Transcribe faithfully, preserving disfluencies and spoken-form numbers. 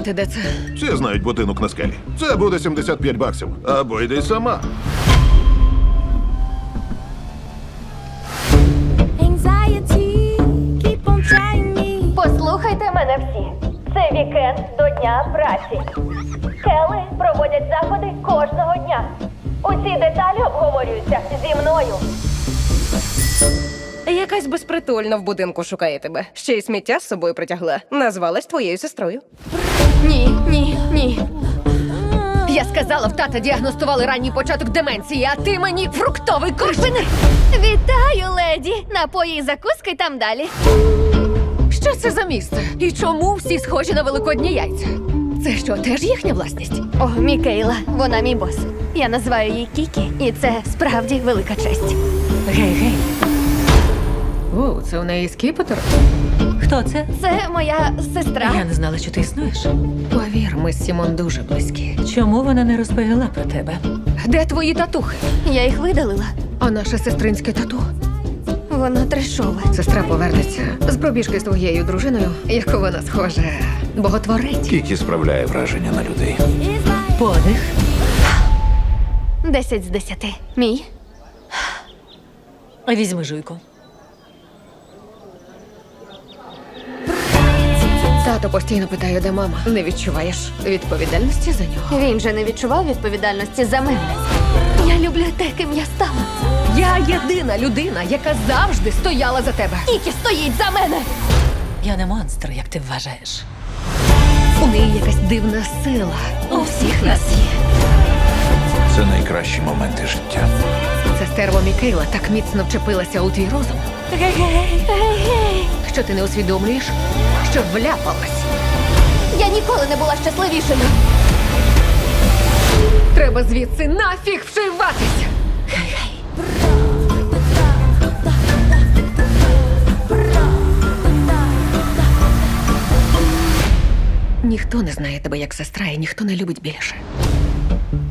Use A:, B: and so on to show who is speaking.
A: знаєте, де це?
B: Всі знають будинок на скелі. Це буде сімдесят п'ять баксів. Або йди сама.
C: Anxiety, keep on trying me.
D: Послухайте мене всі. Це вікенд до Дня праці. Скели проводять заходи кожного дня. Усі деталі обговорюються зі мною.
A: Якась безпритульна в будинку шукає тебе. Ще й сміття з собою притягла. Назвалась твоєю сестрою.
E: Ні, ні, ні. Я сказала, в тата діагностували ранній початок деменції, а ти мені фруктовий корж.
D: Вітаю, леді! Напої і закуски там далі.
E: Що це за місце? І чому всі схожі на великодні яйця? Це що, теж їхня власність?
D: О, Мікейла, вона мій бос. Я називаю її Кікі, і це справді велика честь.
E: Гей, гей. О, це у неї скіпетр? Хто це?
D: Це моя сестра.
E: Я не знала, що ти існуєш. Повір, ми з Сімон дуже близькі. Чому вона не розповіла про тебе? Де твої татухи?
D: Я їх видалила.
E: А наше сестринське тату?
D: Воно трешове.
E: Сестра повернеться з пробіжки з твоєю дружиною, яку вона схоже, боготворить.
F: Кікі справляє враження на людей.
E: Подих.
D: Десять з десяти. Мій.
E: Візьми жуйку. Тато постійно питає, де мама. Не відчуваєш відповідальності за нього?
D: Він же не відчував відповідальності за мене. Я люблю те, ким я стала.
E: Я єдина людина, яка завжди стояла за тебе.
D: Кікі стоїть за мене.
E: Я не монстр, як ти вважаєш. У неї якась дивна сила. У всіх нас є.
F: Це найкращі моменти життя.
E: Це стерво Мікейла так міцно вчепилася у твій розум,
D: Гей-гей.
E: що ти не усвідомлюєш, що вляпалась.
D: Я ніколи не була щасливішою.
E: Треба звідси нафіг вшиватися. Ніхто не знає тебе як сестра, і ніхто не любить більше.